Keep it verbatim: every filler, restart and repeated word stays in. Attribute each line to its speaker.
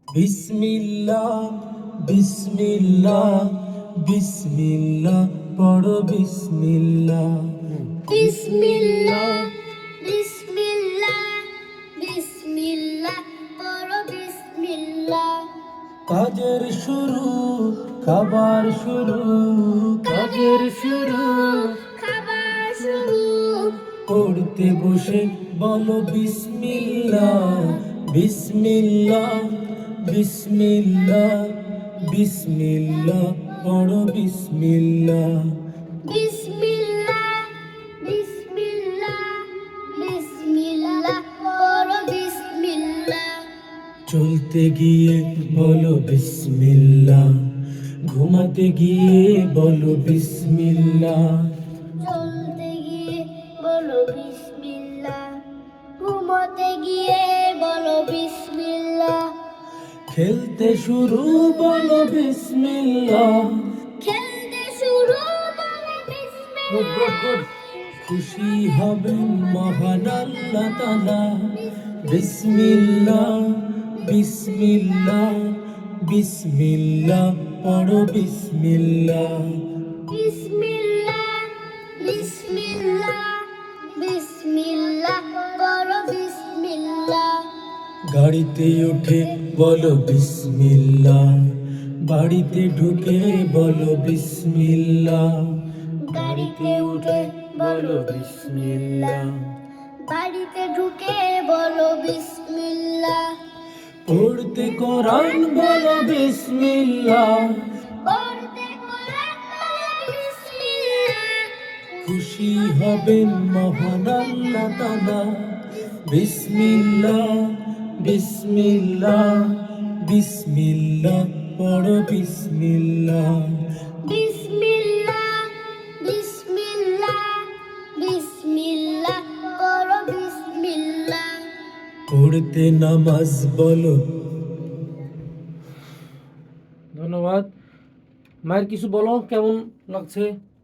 Speaker 1: বিসমিল্লাহ বিসমিল্লাহ বিসমিল্লাহ পড়ো বিসমিল্লাহ।
Speaker 2: বিসমিল্লাহ বিসমিল্লাহ বিসমিল্লাহ পড়ো বিসমিল্লাহ।
Speaker 1: কাজের শুরু খাবার শুরু কাজের শুরু
Speaker 2: খাবার শুরু।
Speaker 1: পড়তে বসে বলো বিসমিল্লাহ বিসমিল্লাহ বিসমিল্লাহ বিসমিল্লাহ পড়ো বিসমিল্লাহ।
Speaker 2: বিসমিল্লাহ বিসমিল্লাহ বিসমিল্লাহ পড়ো বিসমিল্লাহ।
Speaker 1: চলতে গিয়ে বলো বিসমিল্লাহ, ঘুমাতে গিয়ে বলো বিসমিল্লাহ।
Speaker 2: চলতে গিয়ে বলো বিসমিল্লাহ, ঘুমোতে গিয়ে বলো বিসমিল্লাহ।
Speaker 1: খেলতে শুরু বলো বিসমিল্লাহ,
Speaker 2: খেলতে শুরু বলো বিসমিল্লাহ।
Speaker 1: খুশি হবেন মহান আল্লাহ তাআলা। বিসমিল্লাহ বিসমিল্লাহ বিসমিল্লাহ পড়ো বিসমিল্লাহ।
Speaker 2: বিসমিল্লাহ বিসমিল্লাহ বিসমিল্লাহ পড়ো বিসমিল্লাহ।
Speaker 1: গাড়িতে উঠে বলো বিসমিল্লাহ, বাড়িতে ঢুকে বলো বিসমিল্লাহ।
Speaker 2: গাড়িতে উঠে বলো বিসমিল্লাহ, বাড়িতে ঢুকে বলো বিসমিল্লাহ।
Speaker 1: পড়তে কোরআন বলো বিসমিল্লাহ,
Speaker 2: পড়তে কোরআন বলো বিসমিল্লাহ।
Speaker 1: খুশি হবেন মহান আল্লাহ তাআলা। বিসমিল্লাহ বিসমিল্লাহ বিসমিল্লাহ পড়ো বিসমিল্লাহ।
Speaker 2: বিসমিল্লাহ বিসমিল্লাহ বিসমিল্লাহ পড়ো বিসমিল্লাহ।
Speaker 1: পড়তে নামাজ বলো। ধন্যবাদ। মায়ের কিছু বলো, কেমন লাগছে?